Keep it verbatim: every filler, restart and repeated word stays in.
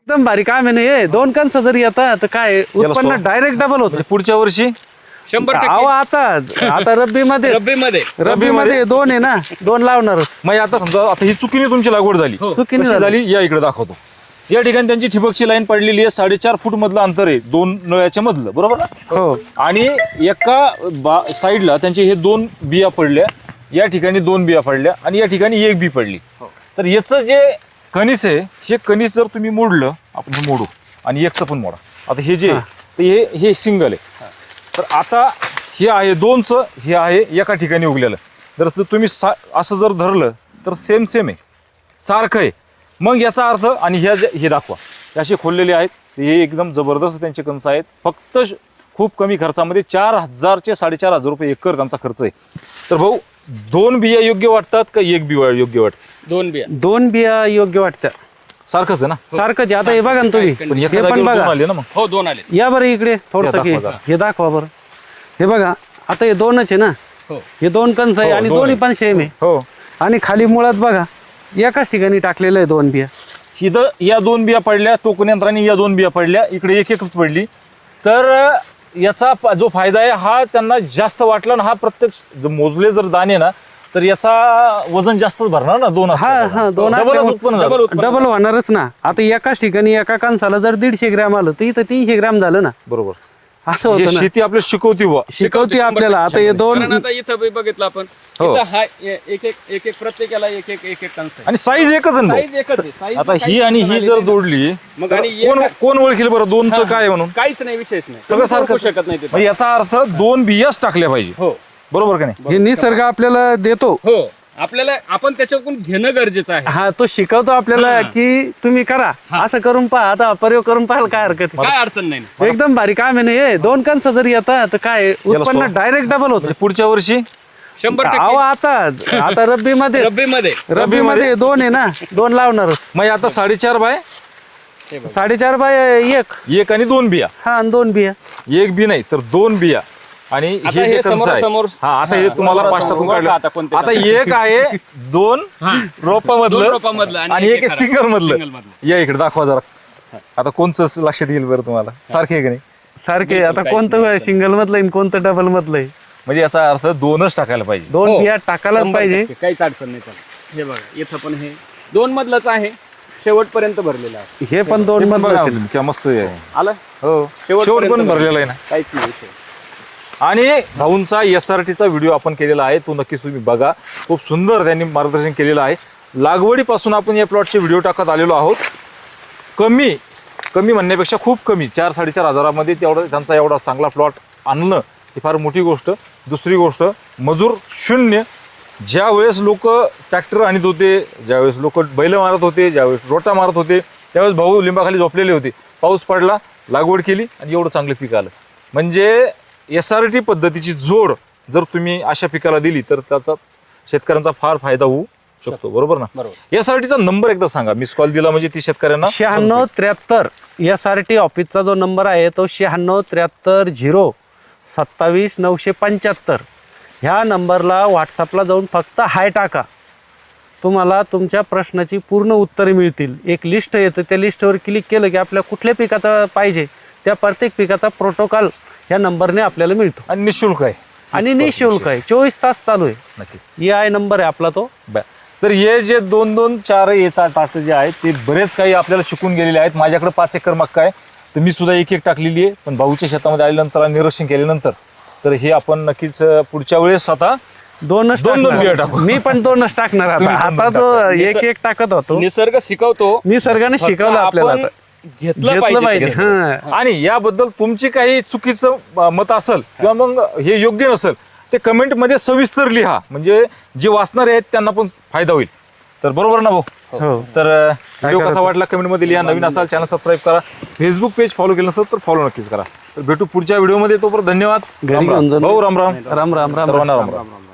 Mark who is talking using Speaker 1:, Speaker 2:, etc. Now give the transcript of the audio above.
Speaker 1: एकदम भारी काम आहे ना हे. दोन कणस जरी येतात तर काय उत्पन्न डायरेक्ट डबल होतं.
Speaker 2: पुढच्या वर्षी
Speaker 3: शंभर
Speaker 1: अहो आता आता रब्बी मध्ये
Speaker 3: रब्बी मध्ये
Speaker 1: रब्बी मध्ये दोन आहे ना, दोन लावणार.
Speaker 2: मग आता समजा आता ही चुकीने तुमची लागवड झाली,
Speaker 1: चुकीने
Speaker 2: कशी झाली या इकडे दाखवतो. या ठिकाणी त्यांची ठिबकची लाईन पडलेली आहे, साडेचार फूट मधलं अंतर आहे दोन नळ्याच्या मधलं, बरोबर ना?
Speaker 1: हो.
Speaker 2: आणि एका साईडला त्यांचे हे दोन बिया पडल्या, या ठिकाणी दोन बिया पडल्या आणि या ठिकाणी एक बी पडली. तर याचं जे कणीस आहे हे कणीस जर तुम्ही मोडलं, आपण हे मोडू आणि एकचं पण मोडा. आता हे जे ते हे हे सिंगल आहे. तर आता हे आहे दोनचं, हे आहे एका ठिकाणी उगलेलं. जर तुम्ही सा असं जर धरलं तर सेम सेम आहे, सारखं आहे. मग याचा अर्थ आणि ह्या हे दाखवा, हे असे खोललेले आहेत, हे एकदम जबरदस्त त्यांचे कणस आहेत. फक्त खूप कमी खर्चामध्ये चार हजारचे साडेचार हजार रुपये एकर त्यांचा खर्च आहे. तर भाऊ दोन बिया योग्य वाटतात का एक बिया योग्य वाटते?
Speaker 3: दोन बिया
Speaker 1: दोन बिया योग्य वाटतं.
Speaker 2: सारखंच आहे ना?
Speaker 1: सारखंच. आता हे बघा ना तुम्ही,
Speaker 2: पण
Speaker 1: हे
Speaker 2: एका
Speaker 1: पण
Speaker 2: जागेवर
Speaker 1: बघा.
Speaker 2: दोन आले ना मग.
Speaker 3: हो दोन आले.
Speaker 1: या बरं इकडे थोडस
Speaker 2: हे दाखवा जरा.
Speaker 1: हे दाखवा बरं. हे बघा आता हे दोनच आहे ना,
Speaker 3: हो
Speaker 1: हे दोन कणस आहे
Speaker 2: हो,
Speaker 1: आणि
Speaker 2: दोन
Speaker 1: दोन्ही
Speaker 2: आहे.
Speaker 1: पण सेम आहे.
Speaker 2: हो.
Speaker 1: आणि खाली मुळात बघा एकाच ठिकाणी टाकलेलं आहे दोन बिया.
Speaker 2: इथं या दोन बिया पडल्या, टोकन यंत्राने या दोन बिया पडल्या, इकडे एक एकच पडली. तर याचा प- जो फायदा आहे हा त्यांना जास्त वाटला ना. हा प्रत्येक मोजले जर दाणे ना तर याचा वजन जास्तच भरणार ना. दोन
Speaker 1: हा हा दोन
Speaker 2: डबलच उत्पन्न झालं.
Speaker 3: डबल उत्पन्न.
Speaker 1: डबल होणारच ना. आता एकाच ठिकाणी एका कणसाला जर दीडशे ग्रॅम आलं तर इथं तीनशे ग्रॅम झालं ना.
Speaker 2: बरोबर.
Speaker 1: असं
Speaker 2: हे
Speaker 1: होतं ना.
Speaker 2: शेती आपल्याला शिकवती बुवा.
Speaker 1: शिकवते आपल्याला. आता हे
Speaker 3: कारण
Speaker 1: दोन
Speaker 3: आता इथं बी बघितलं आपण,
Speaker 2: हो.
Speaker 3: इथं हा ए- एक एक एक एक प्रत्येकाला एक एक एक एक कणस आहे.
Speaker 2: आणि साईज एकच आहे ना भाऊ.
Speaker 3: साईज एकच आहे. साईज
Speaker 2: आता
Speaker 3: काही
Speaker 2: ही आणि ही
Speaker 3: झालेली
Speaker 2: जर
Speaker 3: नाही.
Speaker 2: जोडली
Speaker 3: मग
Speaker 2: तर
Speaker 3: आणि
Speaker 2: कोण
Speaker 3: एक-
Speaker 2: कोण ओळखील बरं दोनचं काय आहे म्हणून?
Speaker 3: काहीच नाही, विशेष नाही.
Speaker 2: सगळं
Speaker 3: तुम्ही
Speaker 2: सारखं
Speaker 3: ओळखू शकत नाही ते.
Speaker 2: म्हणजे याचा अर्थ दोन बियाच टाकल्या पाहिजे,
Speaker 3: हो
Speaker 2: बरोबर का नाही?
Speaker 1: हे निसर्ग आपल्याला देतो.
Speaker 3: हो आपल्याला आपण त्याच्याकडून घेणं गरजेचं आहे.
Speaker 1: हा तो शिकवतो आपल्याला की तुम्ही करा असं करून पहा. आता प्रयोग करून पाहायला काय हरकत आहे?
Speaker 3: काय अडचण नाही ना.
Speaker 1: एकदम भारी काम आहे ना हे. दोन कणस जरी येतात तर काय उत्पन्न
Speaker 2: सोड.
Speaker 1: डायरेक्ट डबल होतं.
Speaker 2: म्हणजे पुढच्या वर्षी
Speaker 3: शंभर
Speaker 1: अहो
Speaker 3: टक्के
Speaker 1: आता आता रब्बी मध्ये
Speaker 3: रब्बी मध्ये
Speaker 1: रब्बी मध्ये दोन आहे ना, दोन लावणार.
Speaker 2: मग आता साडेचार बाय
Speaker 1: साडेचार बाय एक.
Speaker 2: एक आणि दोन बिया,
Speaker 1: हा आणि दोन बिया.
Speaker 2: एक बी नाही तर दोन बिया. आणि
Speaker 3: आता
Speaker 2: हे जे
Speaker 3: हे
Speaker 2: कणस आहे,
Speaker 3: समोरासमोर-
Speaker 2: हा आता हे तुम्हाला
Speaker 3: समोरासमोर
Speaker 2: पाचटातून
Speaker 3: बघा
Speaker 2: काढलं.
Speaker 3: आता कोणते
Speaker 2: आता एक आहे दोन रोपा
Speaker 3: दोन
Speaker 2: मधलं
Speaker 3: रोपामधलं आणि
Speaker 2: आणि
Speaker 3: एक
Speaker 2: एक आहे
Speaker 3: खरा.
Speaker 2: सिंगल
Speaker 3: सिंगल
Speaker 2: मधलं.
Speaker 3: मधलं.
Speaker 2: या इकडे दाखवा जरा. आता कोणचं लक्षात येईल बरं तुम्हाला? सारखे आहे का नाही?
Speaker 1: सारखे.
Speaker 3: बिलकुल
Speaker 1: आता
Speaker 3: काहीच
Speaker 1: कोणतं
Speaker 3: नाही.
Speaker 1: सिंगल मधलं आहे आणि कोणतं डबल मधलं आहे?
Speaker 2: म्हणजे याचा अर्थ दोनच टाकायला पाहिजे.
Speaker 1: दोन
Speaker 3: हो.
Speaker 1: बिया टाकायलाच
Speaker 3: शंभर
Speaker 1: पाहिजे.
Speaker 3: टक्के. काहीच अडचण नाही त्याला. हे बघा इथं पण हे दोन मधलंच आहे, शेवटपर्यंत भरलेलं आहे.
Speaker 1: हे पण दोन
Speaker 2: हे पण बघा
Speaker 1: मधलं.
Speaker 2: क्या मस्त आहे.
Speaker 3: आलं
Speaker 2: हो
Speaker 3: शेवटपर्यंत
Speaker 2: शेवट पण भरलेला आहे ना.
Speaker 3: काहीच नाही विषय.
Speaker 2: आणि भाऊंचा एस आर टीचा व्हिडिओ आपण केलेला आहे, तो नक्कीच तुम्ही बघा. खूप सुंदर त्यांनी मार्गदर्शन केलेलं आहे. लागवडीपासून आपण या प्लॉटचे व्हिडिओ टाकत आलेलो आहोत. कमी कमी म्हणण्यापेक्षा खूप कमी चार साडेचार हजारामध्ये तेवढा त्यांचा एवढा चांगला प्लॉट आणणं ही फार मोठी गोष्ट. दुसरी गोष्ट मजूर शून्य. ज्या वेळेस लोक ट्रॅक्टर आणत होते, ज्यावेळेस लोक बैल मारत होते, ज्यावेळेस रोटा मारत होते, त्यावेळेस भाऊ लिंबाखाली झोपलेले होते. पाऊस पडला, लागवड केली आणि एवढं चांगलं पीक आलं. म्हणजे एस आर टी पद्धतीची जोड जर तुम्ही अशा पिकाला दिली तर त्याचा शेतकऱ्यांचा फार फायदा होऊ शकतो, बरोबर ना?
Speaker 3: बरोबर.
Speaker 2: एस आर टीचा नंबर एकदा सांगा. मिस कॉल दिला म्हणजे ती शेतकऱ्यांना
Speaker 1: शहाण्णव त्र्याहत्तर एस आर टी ऑफिसचा जो नंबर आहे तो शहाण्णव त्र्याहत्तर झिरो सत्तावीस नऊशे पंच्याहत्तर. ह्या नंबरला व्हॉट्सअपला जाऊन फक्त हाय टाका. तुम्हाला तुमच्या प्रश्नाची पूर्ण उत्तरे मिळतील. एक लिस्ट येतं, त्या लिस्टवर क्लिक केलं की आपल्या कुठल्या पिकाचा पाहिजे त्या प्रत्येक पिकाचा प्रोटोकॉल या नंबरने आपल्याला मिळतो.
Speaker 2: आणि निशुल्क आहे
Speaker 1: आणि निःशुल्क आहे, चोवीस तास चालू आहे.
Speaker 2: नक्की.
Speaker 1: ए आय नंबर आहे आपला तो.
Speaker 2: बर. तर हे जे दोन दोन चार येतात टाक जे आहेत ते बरेच काही आपल्याला शिकून गेलेले आहेत. माझ्याकडे पाच एकर मक्का आहे, तर मी सुद्धा एक एक टाकलेली आहे. पण भाऊच्या शेतामध्ये आल्यानंतर आणि निरीक्षण केल्यानंतर तर हे आपण नक्कीच पुढच्या वेळेस आता
Speaker 1: दोनच
Speaker 2: दोन दोन बिया
Speaker 1: टाकणार.
Speaker 2: टाकू.
Speaker 1: मी पण दोनच टाकणार आता.
Speaker 2: तुम्ही पण
Speaker 1: आता तो
Speaker 2: टाका.
Speaker 1: एक एक टाकत होतो.
Speaker 3: निसर्ग शिकवतो,
Speaker 1: निसर्गाने
Speaker 3: फक्त
Speaker 1: शिकवलं आपल्याला
Speaker 3: आपण
Speaker 1: आता.
Speaker 3: घेतलं
Speaker 1: घेतलं
Speaker 3: पाहिजे
Speaker 1: पाहिजे.
Speaker 3: त्याच्यात.
Speaker 1: हा.
Speaker 2: आणि याबद्दल तुमची काही चुकीचं अ, मत असेल किंवा मग हे योग्य नसेल ते कमेंटमध्ये सविस्तर लिहा, म्हणजे जे वाचणारे आहेत त्यांना पण फायदा होईल. तर बरोबर ना भाऊ?
Speaker 1: हो.
Speaker 2: तर व्हिडिओ कसा
Speaker 1: करायचं?
Speaker 2: वाटला कमेंटमध्ये लिहा. नवीन असाल चॅनल सबस्क्राईब करा. फेसबुक पेज फॉलो केलं नसेल तर फॉलो नक्कीच करा. तर भेटू पुढच्या व्हिडिओमध्ये. तोपर्यंत धन्यवाद.
Speaker 1: घरी
Speaker 2: राम
Speaker 1: घेऊन
Speaker 2: राम
Speaker 1: जाऊन.
Speaker 2: भाऊ. राम राम
Speaker 1: राम राम राम
Speaker 2: सर्वांना राम राम.
Speaker 3: राम राम.